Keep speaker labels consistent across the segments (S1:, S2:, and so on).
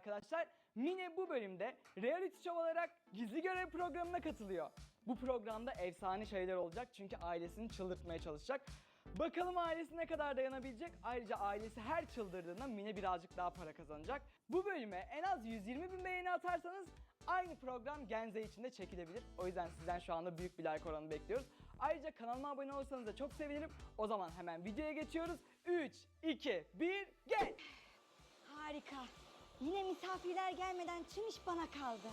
S1: arkadaşlar. Mine bu bölümde reality show olarak gizli görev programına katılıyor. Bu programda efsane şeyler olacak çünkü ailesini çıldırtmaya çalışacak. Bakalım ailesi ne kadar dayanabilecek. Ayrıca ailesi her çıldırdığında Mine birazcık daha para kazanacak. Bu bölüme en az 120.000 beğeni atarsanız aynı program Genze için de çekilebilir. O yüzden sizden şu anda büyük bir like oranı bekliyoruz. Ayrıca kanalıma abone olursanız da çok sevinirim. O zaman hemen videoya geçiyoruz. 3, 2, 1, geç!
S2: Harika. Yine misafirler gelmeden tüm iş bana kaldı.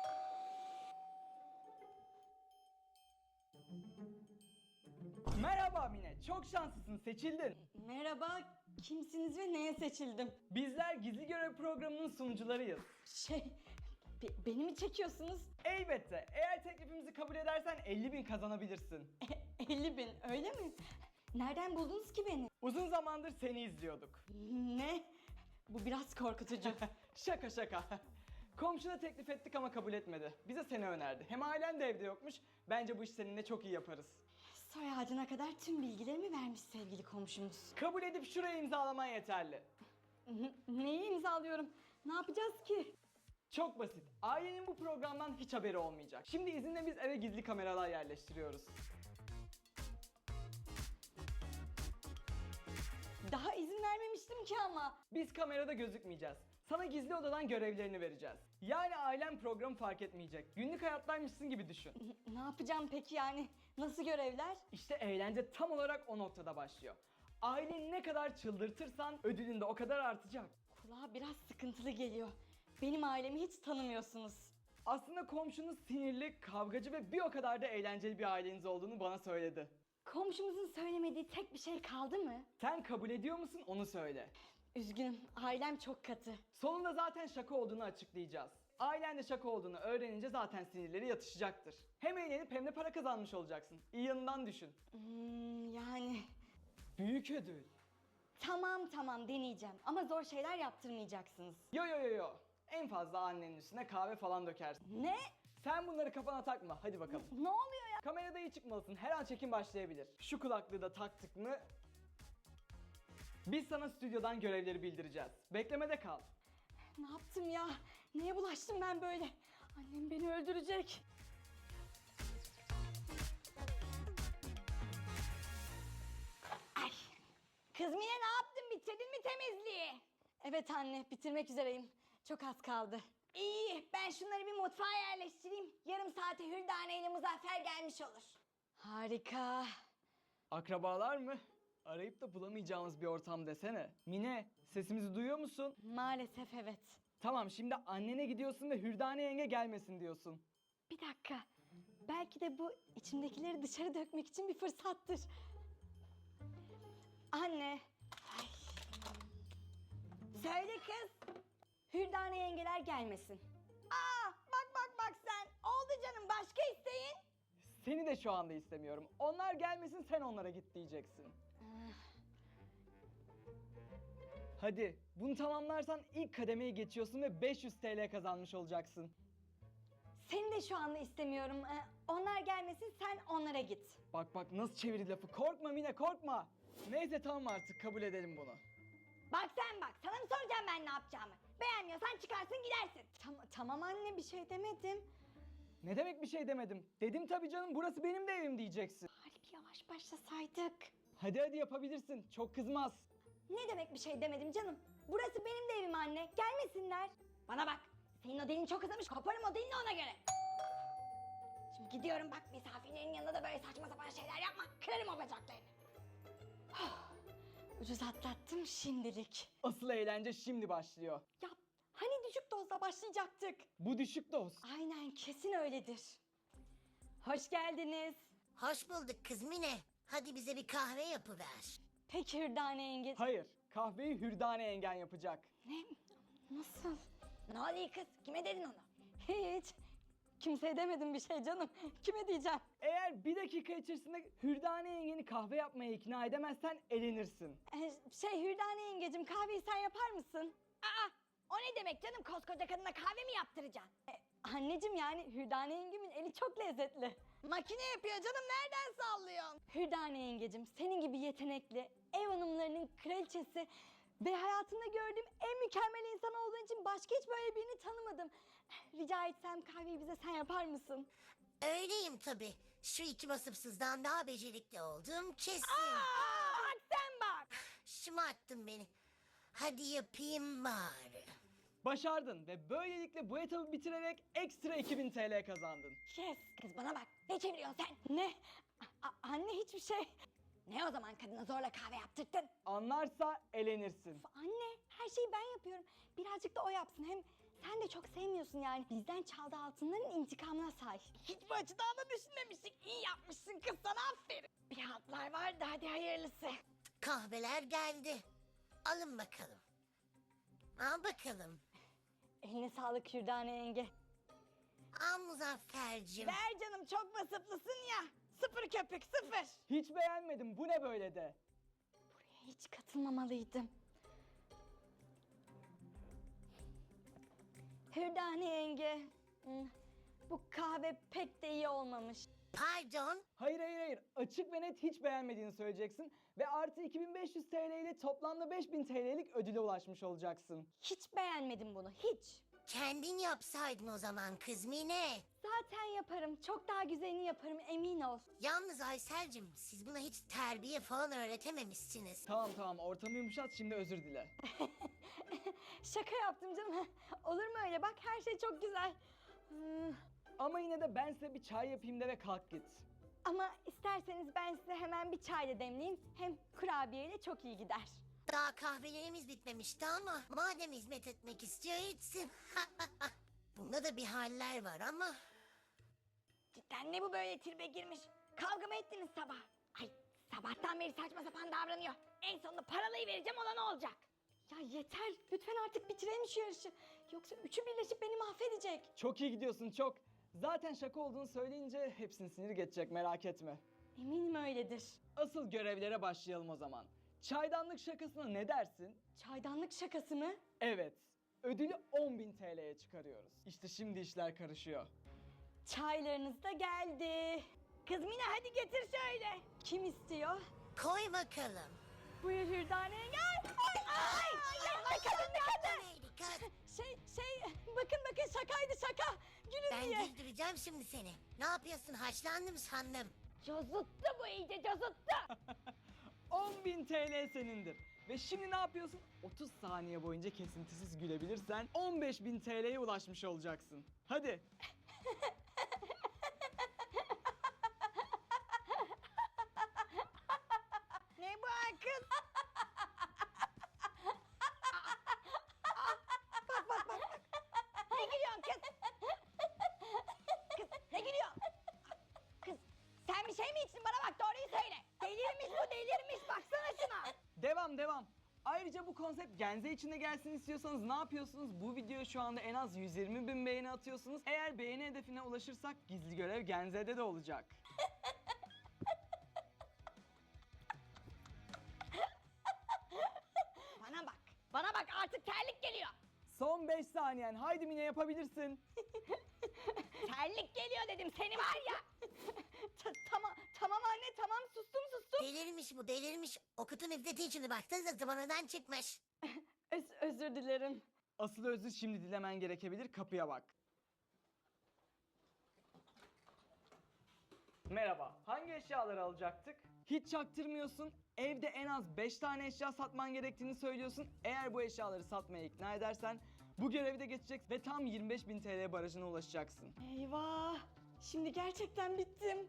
S1: Merhaba Mine, çok şanslısın, seçildin.
S2: Merhaba, kimsiniz ve neye seçildim?
S1: Bizler gizli görev programının sunucularıyız.
S2: Beni mi çekiyorsunuz?
S1: Elbette, eğer teklifimizi kabul edersen 50.000 kazanabilirsin.
S2: 50.000, öyle mi? Nereden buldunuz ki beni?
S1: Uzun zamandır seni izliyorduk.
S2: Ne? Bu biraz korkutucu.
S1: Şaka şaka. Komşuna teklif ettik ama kabul etmedi. Bize seni önerdi. Hem ailen de evde yokmuş. Bence bu işi seninle çok iyi yaparız.
S2: Soy ağacına kadar tüm bilgilerimi vermiş sevgili komşumuz.
S1: Kabul edip şuraya imzalaman yeterli.
S2: Neyi imzalıyorum? Ne yapacağız ki?
S1: Çok basit. Ailenin bu programdan hiç haberi olmayacak. Şimdi izinle biz eve gizli kameralar yerleştiriyoruz.
S2: Daha izin vermemiştim ki ama.
S1: Biz kamerada gözükmeyeceğiz. Sana gizli odadan görevlerini vereceğiz. Yani ailen programı fark etmeyecek. Günlük hayattaymışsın gibi düşün.
S2: Ne yapacağım peki yani? Nasıl görevler?
S1: İşte eğlence tam olarak o noktada başlıyor. Aileni ne kadar çıldırtırsan ödülün de o kadar artacak.
S2: Kulağa biraz sıkıntılı geliyor. Benim ailemi hiç tanımıyorsunuz.
S1: Aslında komşunuz sinirli, kavgacı ve bir o kadar da eğlenceli bir aileniz olduğunu bana söyledi.
S2: Komşumuzun söylemediği tek bir şey kaldı mı?
S1: Sen kabul ediyor musun onu söyle.
S2: Üzgünüm, ailem çok katı.
S1: Sonunda zaten şaka olduğunu açıklayacağız. Ailen de şaka olduğunu öğrenince zaten sinirleri yatışacaktır. Hem eğlenip hem de para kazanmış olacaksın. İyi yanından düşün.
S2: Yani...
S1: Büyük ödül.
S2: Tamam deneyeceğim ama zor şeyler yaptırmayacaksınız.
S1: Yo. En fazla annenin üstüne kahve falan dökersin.
S2: Ne?
S1: Sen bunları kafana takma. Hadi bakalım.
S2: Ne oluyor ya?
S1: Kamerada iyi çıkmalısın. Her an çekim başlayabilir. Şu kulaklığı da taktık mı? Biz sana stüdyodan görevleri bildireceğiz. Beklemede kal.
S2: Ne yaptım ya? Neye bulaştım ben böyle? Annem beni öldürecek. Ay. Kız Mine ne yaptın? Bitirdin mi temizliği? Evet anne, bitirmek üzereyim. Çok az kaldı. İyi, ben şunları bir mutfağa yerleştireyim. Yarım saate Hürdane ile Muzaffer gelmiş olur. Harika.
S1: Akrabalar mı? Arayıp da bulamayacağımız bir ortam desene. Mine, sesimizi duyuyor musun?
S2: Maalesef evet.
S1: Tamam, şimdi annene gidiyorsun ve Hürdane yenge gelmesin diyorsun.
S2: Bir dakika. Belki de bu içimdekileri dışarı dökmek için bir fırsattır. Anne. Ay. Söyle kız. Hürdane yengeler gelmesin. Aa, bak sen. Oldu canım, başka isteyin.
S1: Seni de şu anda istemiyorum. Onlar gelmesin, sen onlara git diyeceksin. Hadi, bunu tamamlarsan ilk kademeye geçiyorsun ve 500 TL kazanmış olacaksın.
S2: Seni de şu anda istemiyorum. Onlar gelmesin, sen onlara git.
S1: Bak nasıl çevirdi lafı. Korkma Mine, korkma. Neyse tamam artık, kabul edelim bunu.
S2: Bak sen bak, sana mı soracağım ben ne yapacağımı? Beğenmiyorsan çıkarsın gidersin. Tamam anne, bir şey demedim.
S1: Ne demek bir şey demedim? Dedim tabii canım, burası benim de evim diyeceksin.
S2: Bari bir yavaş başlasaydık.
S1: Hadi yapabilirsin, çok kızmaz.
S2: Ne demek bir şey demedim canım? Burası benim de evim anne, gelmesinler. Bana bak, senin o dilin çok uzamış, koparım o dilini ona göre. Şimdi gidiyorum bak, misafirlerin yanında da böyle saçma sapan şeyler yapma, kırarım o bacaklarını. Ucuz atlattım şimdilik.
S1: Asıl eğlence şimdi başlıyor.
S2: Ya hani düşük dozla başlayacaktık?
S1: Bu düşük doz.
S2: Aynen, kesin öyledir. Hoş geldiniz.
S3: Hoş bulduk kız Mine. Hadi bize bir kahve yapıver.
S2: Peki Hürdane yenge.
S1: Hayır, kahveyi Hürdane yengen yapacak.
S2: Ne? Nasıl? Ne oluyor kız? Kime dedin onu? Hiç. Kimseye demedim bir şey canım. Kime diyeceğim?
S1: Eğer bir dakika içerisinde Hürdane yengeni kahve yapmaya ikna edemezsen elenirsin.
S2: Hürdane yengecim, kahveyi sen yapar mısın? Aa, o ne demek canım, koskoca kadına kahve mi yaptıracaksın? Anneciğim, yani Hürdane yengemin eli çok lezzetli. Makine yapıyor canım, nereden sallıyorsun? Hürdane yengecim, senin gibi yetenekli, ev hanımlarının kraliçesi Ve hayatımda gördüğüm en mükemmel insan olduğun için başka hiç böyle birini tanımadım. Rica etsem kahveyi bize sen yapar mısın?
S3: Öyleyim tabii. Şu iki vasıfsızdan daha becerikli olduğum kesin.
S2: Bak sen bak.
S3: Şımarttın beni. Hadi yapayım bari.
S1: Başardın ve böylelikle bu etabı bitirerek ekstra 2000 TL kazandın.
S2: Yes. Kız bana bak. Ne çeviriyorsun sen? Ne? Anne hiçbir şey. Ne o zaman kadına zorla kahve yaptırttın?
S1: Anlarsa elenirsin.
S2: Anne her şeyi ben yapıyorum. Birazcık da o yapsın. Hem sen de çok sevmiyorsun yani. Bizden çaldığı altınların intikamına say. Hiç bu açıdan da düşünmemiştik. İyi yapmışsın kız, sana aferin. Bir altlar vardı, hadi hayırlısı.
S3: Kahveler geldi. Alın bakalım. Al bakalım.
S2: Eline sağlık Hürdane yenge.
S3: Al Muzaffer'cim.
S2: Ver canım, çok vasıflısın ya. Sıfır köpük, sıfır.
S1: Hiç beğenmedim, bu ne böyle de?
S2: Buraya hiç katılmamalıydım. Hürdane yenge. Bu kahve pek de iyi olmamış.
S3: Pardon.
S1: Hayır hayır hayır, açık ve net hiç beğenmediğini söyleyeceksin ve artı 2500 TL ile toplamda 5000 TL'lik ödüle ulaşmış olacaksın.
S2: Hiç beğenmedim bunu, hiç.
S3: Kendin yapsaydın o zaman Kızmine.
S2: Zaten yaparım, çok daha güzelini yaparım, emin ol.
S3: Yalnız Aysel'cim siz buna hiç terbiye falan öğretememişsiniz.
S1: Tamam tamam, ortamı yumuşat, şimdi özür dile.
S2: Şaka yaptım canım. Olur mu öyle? Bak her şey çok güzel.
S1: Ama yine de ben size bir çay yapayım de ve kalk git.
S2: Ama isterseniz ben size hemen bir çay da demleyeyim. Hem kurabiyeyle çok iyi gider.
S3: Daha kahvelerimiz bitmemişti ama madem hizmet etmek istiyor etsin. Bunda da bir haller var ama.
S2: Cidden ne bu böyle tribe girmiş? Kavga mı ettiniz sabah? Ay sabahtan beri saçma sapan davranıyor. En sonunda paralıyı vereceğim, ona ne olacak? Ya yeter, lütfen artık bitirelim şu yarışı. Yoksa üçü birleşip beni mahvedecek.
S1: Çok iyi gidiyorsun, çok. Zaten şaka olduğunu söyleyince hepsini sinir geçecek, merak etme.
S2: Eminim öyledir.
S1: Asıl görevlere başlayalım o zaman. Çaydanlık şakasına ne dersin?
S2: Çaydanlık şakası mı?
S1: Evet. Ödülü 10.000 TL'ye çıkarıyoruz. İşte şimdi işler karışıyor.
S2: Çaylarınız da geldi. Kız Mine hadi getir şöyle. Kim istiyor?
S3: Koy bakalım.
S2: Buyur Hürdane gel. Ay kadın ne kadın.
S3: Neydi kız?
S2: Bakın şakaydı şaka. Gülün
S3: Ben
S2: diye.
S3: güldüreceğim şimdi seni. Ne yapıyorsun, haşlandım sandım.
S2: Cozuttu bu, iyice cozuttu.
S1: 10.000 TL senindir. Ve şimdi ne yapıyorsun? 30 saniye boyunca kesintisiz gülebilirsen 15.000 TL'ye ulaşmış olacaksın. Hadi.
S2: Ne bu kız? Bak. Ne gülüyorsun kız? Kız ne gülüyorsun? Kız sen bir şey mi içtin, bana bak doğruyu söyle. Delirmiş bu, delirmiş, baksana şuna.
S1: Devam. Ayrıca bu konsept Genze içinde gelsin istiyorsanız ne yapıyorsunuz? Bu videoya şu anda en az 120.000 beğeni atıyorsunuz. Eğer beğeni hedefine ulaşırsak gizli görev Genze'de de olacak.
S2: Bana bak artık terlik geliyor.
S1: Son 5 saniyen. Haydi Mine, yapabilirsin.
S2: Terlik geliyor dedim, seni var ya. Tamam anne, tamam sustum.
S3: Delirmiş bu, delirmiş. Okutun üfleti içini baksanıza zıvanadan çıkmış.
S2: Özür dilerim.
S1: Asıl özür şimdi dilemen gerekebilir. Kapıya bak. Merhaba. Hangi eşyaları alacaktık? Hiç çaktırmıyorsun. Evde en az 5 tane eşya satman gerektiğini söylüyorsun. Eğer bu eşyaları satmaya ikna edersen bu görevi de geçeceksin ve tam 25.000 TL barajına ulaşacaksın.
S2: Eyvah! Şimdi gerçekten bittim.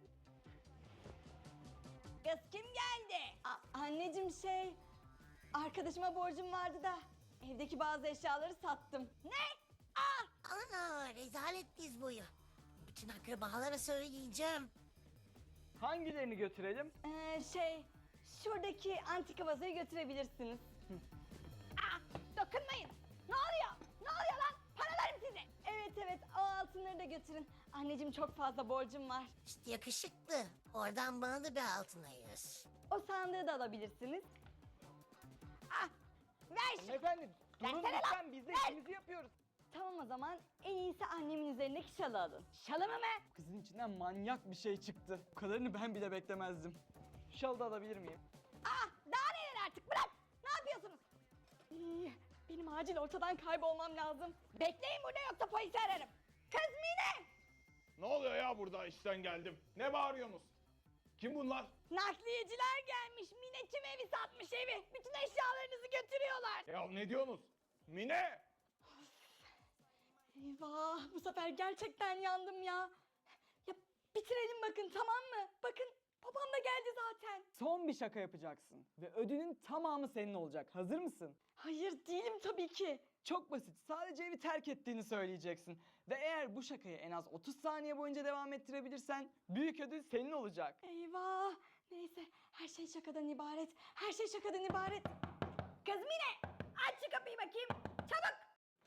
S2: Kız kim geldi? Anneciğim arkadaşıma borcum vardı da evdeki bazı eşyaları sattım. Ne?
S3: Ana rezalet diz boyu. Bütün akrabalara söyleyeceğim.
S1: Hangilerini götürelim?
S2: Şuradaki antika vazoyu götürebilirsiniz. Dokunmayın. Ne oluyor? Ne oluyor lan? Paralarım size. Evet, o altınları da götürün. Anneciğim çok fazla borcum var.
S3: İşte yakışıklı. Oradan bana da bir altın ayır.
S2: O sandığı da alabilirsiniz. Ver şunu.
S1: Efendim, durun
S2: Versene lan,
S1: lütfen, biz de
S2: ver.
S1: işimizi yapıyoruz.
S2: Tamam o zaman en iyisi annemin üzerindeki şalı alın. Şalımı mı?
S1: Kızın içinden manyak bir şey çıktı. Bu kadarını ben bile beklemezdim. Şalı da alabilir miyim?
S2: Daha neler artık, bırak. Ne yapıyorsunuz? Ay, benim acil ortadan kaybolmam lazım. Bekleyin burada yoksa polisi ararım. Kız Mine!
S4: Ne oluyor ya burada işten geldim? Ne bağırıyorsunuz? Kim bunlar?
S2: Nakliyeciler gelmiş. Mine tüm evi satmış evi. Bütün eşyalarınızı götürüyorlar.
S4: Ya ne diyorsunuz? Mine!
S2: Eyvah, bu sefer gerçekten yandım ya. Ya bitirelim bakın, tamam mı? Bakın babam da geldi zaten.
S1: Son bir şaka yapacaksın ve ödülün tamamı senin olacak. Hazır mısın?
S2: Hayır değilim tabii ki.
S1: Çok basit. Sadece evi terk ettiğini söyleyeceksin. Ve eğer bu şakayı en az 30 saniye boyunca devam ettirebilirsen büyük ödül senin olacak.
S2: Eyvah. Neyse, her şey şakadan ibaret. Her şey şakadan ibaret. Kız Mine, aç şu kapıyı bakayım. Çabuk.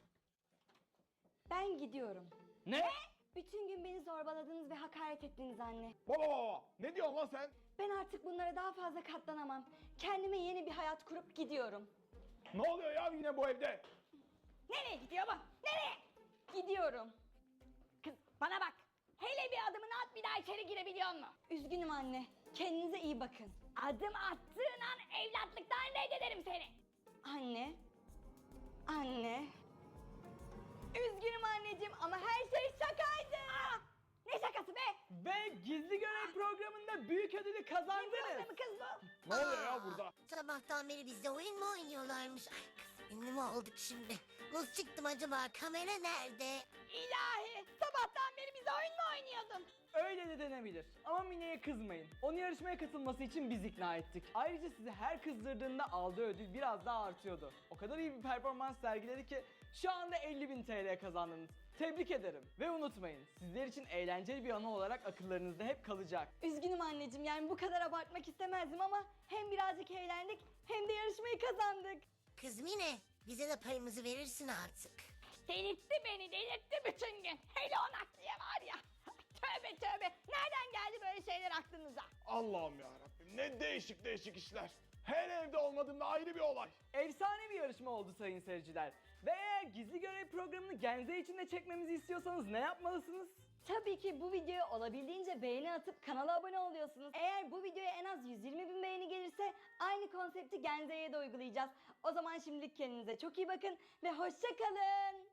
S2: Ben gidiyorum.
S1: Ne?
S2: Bütün gün beni zorbaladınız ve hakaret ettiniz anne.
S4: Baba! Ne diyorsun lan sen?
S2: Ben artık bunlara daha fazla katlanamam. Kendime yeni bir hayat kurup gidiyorum.
S4: Ne oluyor ya yine bu evde?
S2: Nereye gidiyor bu? Nereye? Gidiyorum. Kız bana bak. Hele bir adımını at, bir daha içeri girebiliyor musun? Üzgünüm anne. Kendinize iyi bakın. Adım attığın an evlatlıktan reddederim seni. Anne. Anne. Üzgünüm anneciğim ama her şey şakaydı. Ne şakası be?
S1: Ve gizli görev programında büyük ödülü kazandınız.
S2: Programı kız bu.
S4: Ne oluyor ya burada?
S3: Sabahtan beri bizde oyun mu oynuyorlarmış? Ay kız ünlü mü olduk şimdi? Nasıl çıktım acaba? Kamera nerede?
S2: İlahi. Sabahtan beri bize oyun mu oynuyordun?
S1: Öyle de denebilir. Ama Mine'ye kızmayın. Onu yarışmaya katılması için biz ikna ettik. Ayrıca sizi her kızdırdığında aldığı ödül biraz daha artıyordu. O kadar iyi bir performans sergiledi ki şu anda 50.000 TL kazandınız. Tebrik ederim. Ve unutmayın, sizler için eğlenceli bir anı olarak akıllarınızda hep kalacak.
S2: Üzgünüm anneciğim, yani bu kadar abartmak istemezdim ama hem birazcık eğlendik hem de yarışmayı kazandık.
S3: Kız Mine, bize de payımızı verirsin artık.
S2: Delirtti beni, delirtti bütün gün. Hele o nakliye var ya. Tövbe tövbe. Nereden geldi böyle şeyler aklınıza?
S4: Allah'ım ya Rabbim ne değişik değişik işler. Her evde olmadığımda ayrı bir olay.
S1: Efsane bir yarışma oldu sayın seyirciler. Ve eğer gizli görev programını Genze için de çekmemizi istiyorsanız ne yapmalısınız?
S2: Tabii ki bu videoya olabildiğince beğeni atıp kanala abone oluyorsunuz. Eğer bu videoya en az 120.000 beğeni gelirse aynı konsepti Genze'ye de uygulayacağız. O zaman şimdilik kendinize çok iyi bakın ve hoşça kalın.